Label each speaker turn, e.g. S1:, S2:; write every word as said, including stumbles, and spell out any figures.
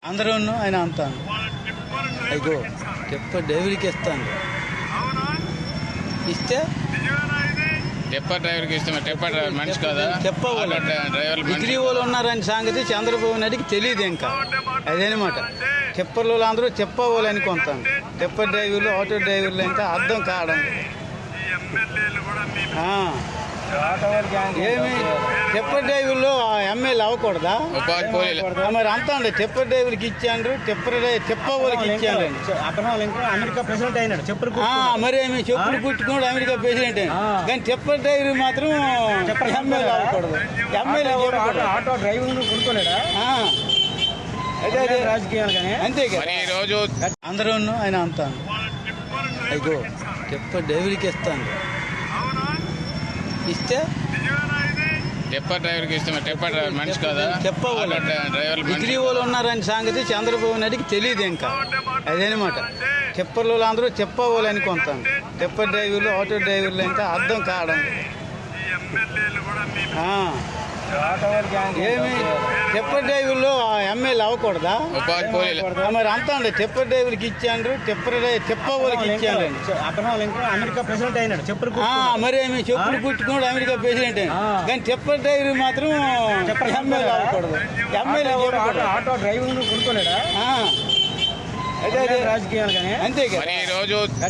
S1: అందరూ ఆయన అంతాను అయ్యో చెప్ప డెలివరీకి ఇస్తాను ఇస్తే
S2: టెప్పర్ డ్రైవర్కి ఇష్టం. టెప్పర్ డ్రైవర్ మనిషి కదా,
S1: చెప్పవాలి
S2: డ్రైవర్
S1: డిగ్రీ వాళ్ళు ఉన్నారని సంగతి చంద్రబాబు నాయుడికి తెలియదు. ఇంకా అదేనమాట టెప్పర్లు అందరూ చెప్పవాలి అనుకుంటాను. టెప్పర్ డ్రైవర్లు ఆటో డ్రైవర్లు ఇంకా అర్థం కావడం ఏమి టెప్పర్ డ్రైవర్లు ఎమ్మెల్యే అవ్వకూడదా?
S2: ఉపాధి పోలీలు
S1: మరి అంతా అండి టెప్పర్ డ్రైవర్కి ఇచ్చాండ్రు, టెప్పర్ చెప్ప వాళ్ళకి ఇచ్చాను.
S3: అమెరికా ప్రెసిడెంట్ అయినాడు చెప్పులు
S1: మరి ఏమి చెప్పులు కుట్టుకోడు అమెరికా ప్రెసిడెంట్ అయినా, కానీ టెప్పర్ డ్రైవర్ మాత్రం ఎమ్మెల్యే అవ్వకూడదు. ఎమ్మెల్యే
S3: ఆటో డ్రైవింగ్ కొనుక్కోలేడా రాజకీయాలు కానీ
S1: అంతే
S2: మరి ఈ రోజు
S1: అందరూ ఆయన అంతాను అయ్యో టెప్పర్ డ్రైవర్కి ఇస్తాను ఇస్తే
S2: టెప్పర్ డ్రైవర్కి ఇష్టం. టెప్పర్ డ్రైవర్ మనిషి కదా,
S1: చెప్పవాలి
S2: డ్రైవర్
S1: డిగ్రీ వాళ్ళు ఉన్నారని సంగతి చంద్రబాబు నాయుడికి తెలియదు. ఇంకా అదేనమాట టెప్పర్లు అందరూ చెప్పవాలి అనుకుంటాను. టెప్పర్ డ్రైవర్లు ఆటో డ్రైవర్లు ఇంకా అర్థం కావడం ఏమి టెప్పర్ డ్రైవర్లు ఎమ్మెల్యే అవ్వకూడదా?
S2: ఉపాధి పోలీలు
S1: మరి అంతా అండి టెప్పర్ డ్రైవర్కి ఇచ్చాండ్రు, టెప్పర్ చెప్ప వాళ్ళకి ఇచ్చాను.
S3: అమెరికా ప్రెసిడెంట్ అయినాడు చెప్పులు
S1: మరి ఏమి చెప్పులు కుట్టుకోడు అమెరికా ప్రెసిడెంట్ అయినా, కానీ టెప్పర్ డ్రైవర్ మాత్రం ఎమ్మెల్యే అవ్వకూడదు. ఎమ్మెల్యే
S3: ఆటో డ్రైవింగ్ కొనుక్కోలేడా
S1: అదే
S3: రాజకీయాలు కానీ
S1: అంతే
S2: మరి ఈ రోజు